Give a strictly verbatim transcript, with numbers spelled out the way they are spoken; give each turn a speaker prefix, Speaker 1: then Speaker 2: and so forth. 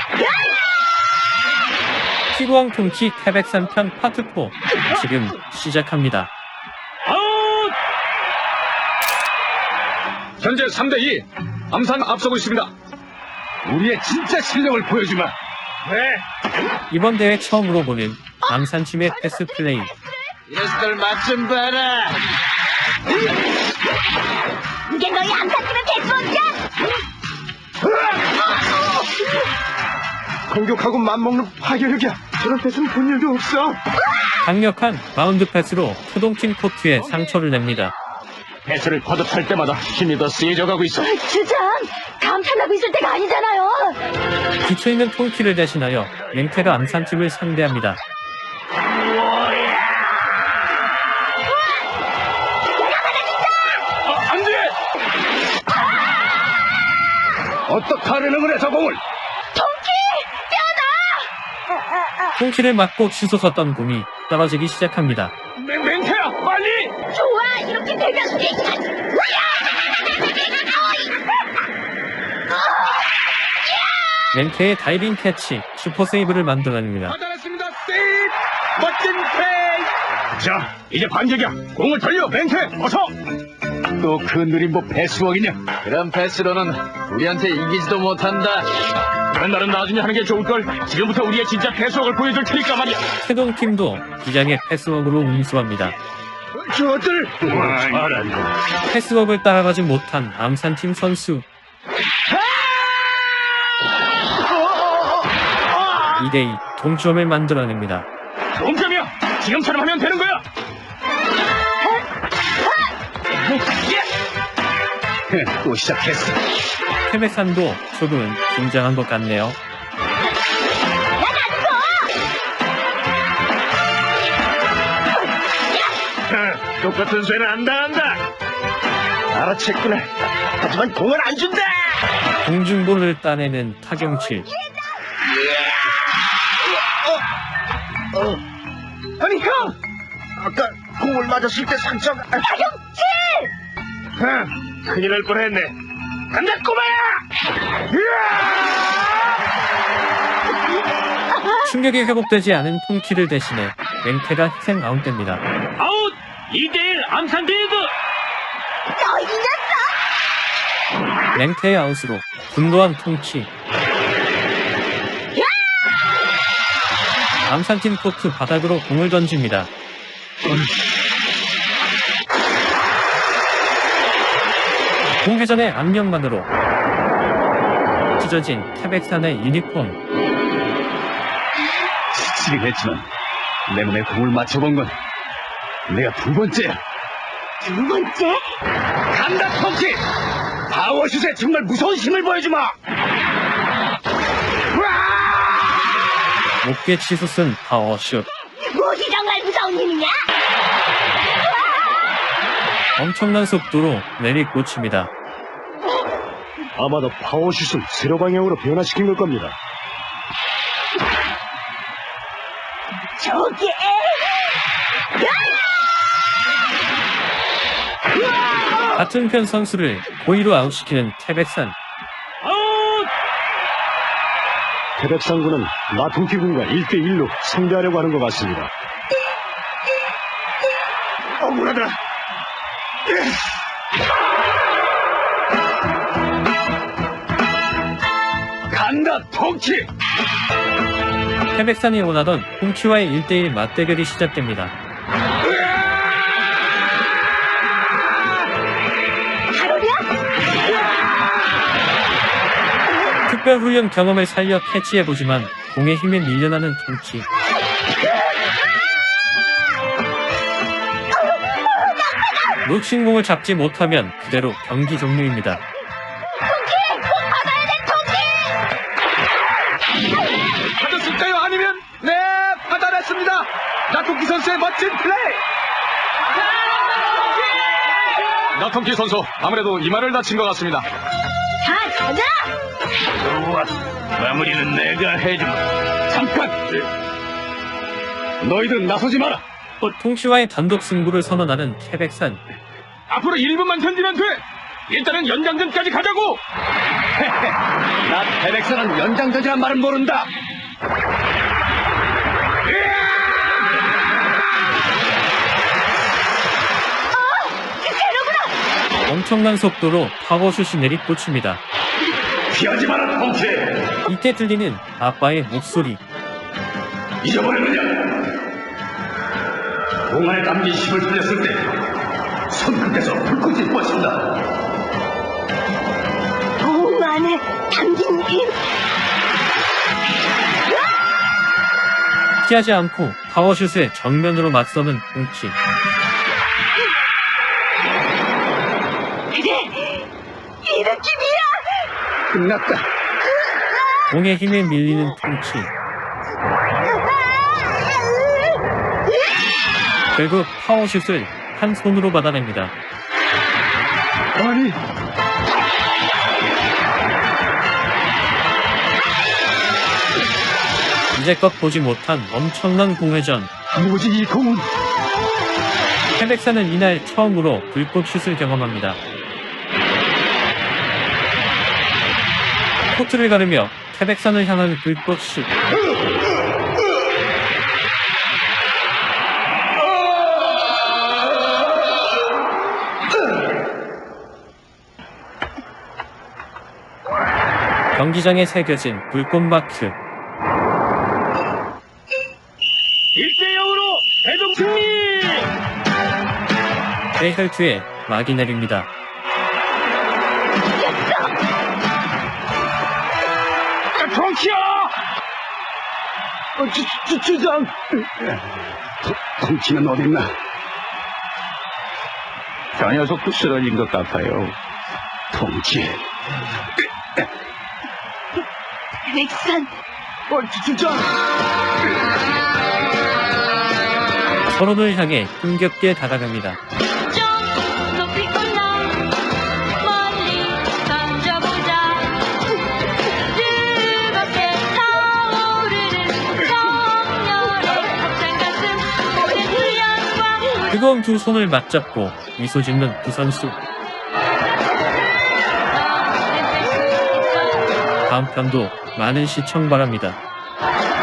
Speaker 1: 피구왕 통키 태백산 편 파트 사 지금 시작합니다.
Speaker 2: 아웃! 현재 삼 대 이 암산 앞서고 있습니다. 우리의 진짜 실력을 보여주마. 네.
Speaker 1: 이번 대회 처음으로 보는 암산팀의 패스 플레이.
Speaker 2: 이 녀석들 맛 좀 봐라.
Speaker 3: 이게 너희 암산팀의 패스워크야?
Speaker 4: 공격하고 맘먹는 파괴력이야. 저런 패스는 본 일도 없어.
Speaker 1: 강력한 바운드 패스로 표동팀 코트에 상처를 냅니다.
Speaker 2: 패스를 거듭할 때마다 힘이 더 세져 가고 있어.
Speaker 3: 주장! 감탄하고 있을 때가 아니잖아요.
Speaker 1: 기초있는 통키를 대신하여 맹태가 암산팀을 상대합니다.
Speaker 2: 아, 안 돼! 어떡하려는 거래, 저 공을?
Speaker 3: 통키! 뼈다!
Speaker 1: 통키를 맞고 치솟았던 공이 떨어지기 시작합니다.
Speaker 2: 맹, 맹태야, 빨리!
Speaker 3: 좋아! 이렇게 되면
Speaker 1: 맹태의 다이빙 캐치, 슈퍼 세이브를 만들어냅니다.
Speaker 2: 받아냈습니다, 세이브! 멋진 플레이! 자, 이제 반격이야. 공을 돌려, 맹태, 어서! 또 그 느린 뭐 패스워크냐? 그런 패스로는 우리한테 이기지도 못한다. 그런 날은 나중에 하는 게 좋을걸. 지금부터 우리의 진짜 패스워크를 보여줄 테니까 말이야.
Speaker 1: 태동팀도 기장의 패스워크로 운수합니다.
Speaker 2: 저들! 잘한다.
Speaker 1: 패스워크를 따라가지 못한 암산팀 선수. 이 대 이 동점을 만들어냅니다.
Speaker 2: 동점이야! 지금처럼 하면 되는 거야! 또 시작했어.
Speaker 1: 태백산도 조금은 긴장한 것 같네요.
Speaker 2: 똑같은 쇠는 안 당한다. 알아챘구나. 하지만 공을 안 준다.
Speaker 1: 공중볼을 따내는 타경칠.
Speaker 4: 아니 형! 아까 공을 맞았을 때 상처가...
Speaker 3: 타경칠!
Speaker 2: 큰일 날 뻔했네. 간다 꼬마야!
Speaker 1: 충격이 회복되지 않은 통키를 대신해 맹태가 희생 아웃됩니다.
Speaker 2: 아웃! 이 대 일 암산 리그!
Speaker 3: 너 이겼어!
Speaker 1: 맹태의 아웃으로 분노한 통키. 암산팀 코트 바닥으로 공을 던집니다. 공회전의 압력만으로 찢어진 태백산의 유니폼.
Speaker 2: 지치긴 했지만 내 몸에 공을 맞춰본 건 내가 두 번째야.
Speaker 3: 두 번째?
Speaker 2: 간다 펑키! 파워슛에 정말 무서운 힘을 보여주마!
Speaker 1: 목에 치솟은 파워슛.
Speaker 3: 무엇이 정말 무서운 힘이냐?
Speaker 1: 엄청난 속도로 내리꽂힙니다.
Speaker 4: 아마도 파워슛을 세로 방향으로 변화시킨 걸 겁니다.
Speaker 3: 저게...
Speaker 1: 같은 편 선수를 고의로 아웃시키는 태백산.
Speaker 2: 아웃!
Speaker 4: 태백산군은 마통키군과 일 대 일로 상대하려고 하는 것 같습니다.
Speaker 2: 억울하다. 간다 펑키!
Speaker 1: 태백산이 원하던 홍키와의 일 대 일 맞대결이 시작됩니다.
Speaker 3: 가로냐?
Speaker 1: 특별훈련 경험을 살려 캐치해보지만 공의 힘에 밀려나는 통키. 놓친 공을 잡지 못하면 그대로 경기 종료입니다.
Speaker 2: 받았을까요? 아니면? 네, 받아냈습니다. 나통키 선수의 멋진 플레이! 나통키 선수, 아무래도 이마를 다친 것 같습니다.
Speaker 3: 자, 가자!
Speaker 2: 좋아, 마무리는 내가 해주마. 잠깐! 너희들은 나서지 마라!
Speaker 1: 통키와의 단독 승부를 선언하는 태백산.
Speaker 2: 앞으로 일 분만 견디면 돼! 일단은 연장전까지 가자고! 나 페렉스는 연장전이란 말은 모른다.
Speaker 1: 엄청난 속도로 파워슛이 내리꽂힙니다.
Speaker 2: 피하지 마라, 덩치.
Speaker 1: 이때 들리는 아빠의 목소리.
Speaker 2: 잊어버렸느냐? 공안에 담긴 힘을 살렸을 때 손끝에서 불꽃이 뻗친다.
Speaker 3: 공 안에 담긴 힘.
Speaker 1: 피하지 않고 파워슛에 정면으로 맞서는 동키.
Speaker 3: 그래, 이 느낌이야.
Speaker 2: 끝났다.
Speaker 1: 공의 힘에 밀리는 통키. 결국 파워슛을 한 손으로 받아냅니다.
Speaker 2: 아니,
Speaker 1: 이제껏 보지 못한 엄청난 공회전.
Speaker 2: 뭐지 이 공은?
Speaker 1: 태백사는 이날 처음으로 불꽃슛을 경험합니다. 코트를 가르며 태백산을 향한 불꽃슛. 경기장에 새겨진 불꽃마크.
Speaker 2: 일 대 영으로 대동 승리!
Speaker 1: 대혈투에 막이 내립니다.
Speaker 2: 덩치야! 어, 주, 주, 주장! 덩치는 어딨나? 저 녀석도 쓰러진 것 같아요. 덩치.
Speaker 3: 백산,
Speaker 2: 어, 주, 주장!
Speaker 1: 서로를 향해 힘겹게 다가갑니다.
Speaker 5: 좀 높이 올라 멀리 던져보자. 뜨겁게 타오르는 정열의 벅찬 가슴 오랜 훈련과
Speaker 1: 뜨거운 두 손을 맞잡고 미소 짓는 두 선수. 다음 편도 많은 시청 바랍니다.